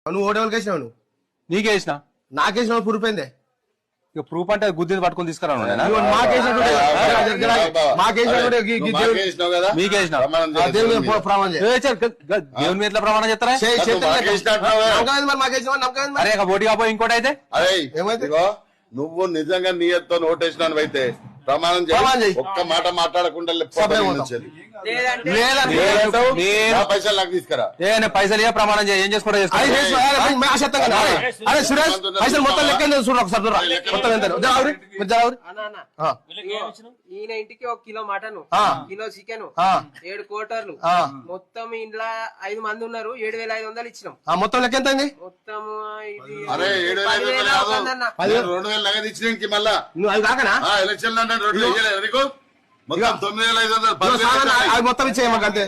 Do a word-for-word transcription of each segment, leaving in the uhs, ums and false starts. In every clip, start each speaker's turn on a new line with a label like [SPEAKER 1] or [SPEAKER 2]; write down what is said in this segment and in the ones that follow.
[SPEAKER 1] నువ్వు ఓటేవాళ్ళకి వేసినావు నువ్వు
[SPEAKER 2] నీకేసిన
[SPEAKER 1] నాకేసిన ప్రూఫ్ ఏందే
[SPEAKER 2] ఇక ప్రూఫ్ అంటే గుద్ది పట్టుకొని తీసుకురాను మీకేసిన దేవుని మీద ఎట్లా ప్రమాణం చేస్తారా అరే ఓటు కాపోయి ఇంకోటి అయితే
[SPEAKER 1] ఏమైతే
[SPEAKER 3] నువ్వు నిజంగా నీయతో ఓటేసినాను అయితే ప్రమాణం చేయి ఒక్క మాట మాట్లాడకుండా పైసలు నాకు తీసుకురా
[SPEAKER 2] పైసలు ఏ ప్రమాణం చేయి ఏం చేసుకోవడం
[SPEAKER 1] అరే సురేష్ పైసలు మొత్తం లెక్క చూడండి ఒకసారి మొత్తం ఎంత
[SPEAKER 4] ఈయన ఇంటికి ఒక కిలో మటన్ కిలో చికెన్ ఏడు కోటర్లు మొత్తం ఇంట్లో ఐదు మంది ఉన్నారు ఏడు వేల ఐదు వందలు ఇచ్చినాం
[SPEAKER 1] మొత్తం లెక్క ఎంత
[SPEAKER 4] మొత్తం
[SPEAKER 3] అరే ఏడు వేల ఐదు వందలు రెండు వేలు నగదు ఇచ్చినానికి మళ్ళా
[SPEAKER 1] నువ్వు అది కాకనా
[SPEAKER 3] ఎలక్షన్ అంటే రెండు వేయలేదు నీకు మొత్తం తొమ్మిది వేల ఐదు వందలు
[SPEAKER 1] అది మొత్తం ఇచ్చేయమ్మ అంతే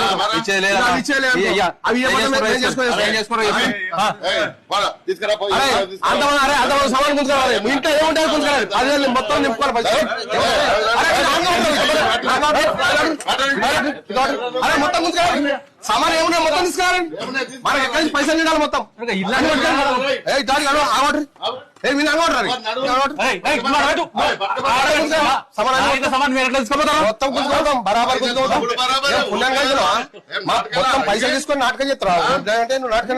[SPEAKER 3] తీసుకురా
[SPEAKER 1] అరే అంతమంది సమాన్ గుంజుకోవాలి మీ ఇంట్లో ఏముంటారు గుంజుకోవాలి పదివేలు మొత్తం నింపుకోవాలి అరే మొత్తం గుంజుకోవాలి సామాన్ ఏమున్నా మొత్తం తీసుకురావాలి మనకి ఎక్కడి నుంచి పైసలు తినాలి మొత్తం ఆగోట్రీ ఏ మీరు అనుకుంటారు మొత్తం గుంజుకోవడం బరాబర్ గుంజుకోవడం మొత్తం పైసలు తీసుకొని నాటకం చేస్తారా అంటే నువ్వు నాటకం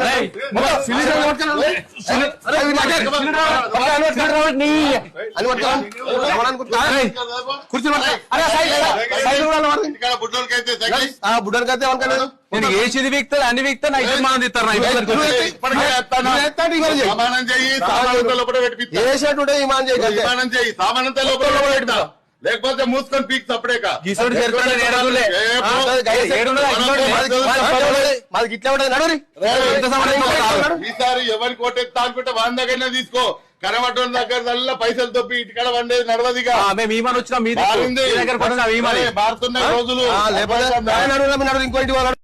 [SPEAKER 1] బుడ్డలకైతే ఎవరికైనా
[SPEAKER 2] నేను ఏది వీక్తా అన్ని వీక్తా నా ఇద్దరు మనం తిస్తారు
[SPEAKER 1] వేసేటుంటే ఇమాన్
[SPEAKER 3] చేయి సామానంతా లోపల పెడతా లేకపోతే మూసుకొని పీక్ సపడేక
[SPEAKER 1] మాది ఇట్లా ఉంటుంది నడు
[SPEAKER 3] ఈసారి ఎవరికి ఓటేస్తా అనుకుంటే వాని దగ్గరనే తీసుకో కరవటం దగ్గర పైసలు తప్పి ఇటుకడ వండేది నడవదిగా
[SPEAKER 2] మేము ఈమాన్ వచ్చినా మీ దగ్గర
[SPEAKER 3] మారుతున్నాయి రోజులు
[SPEAKER 1] లేకపోతే ఇంకో ఇంటి వాళ్ళు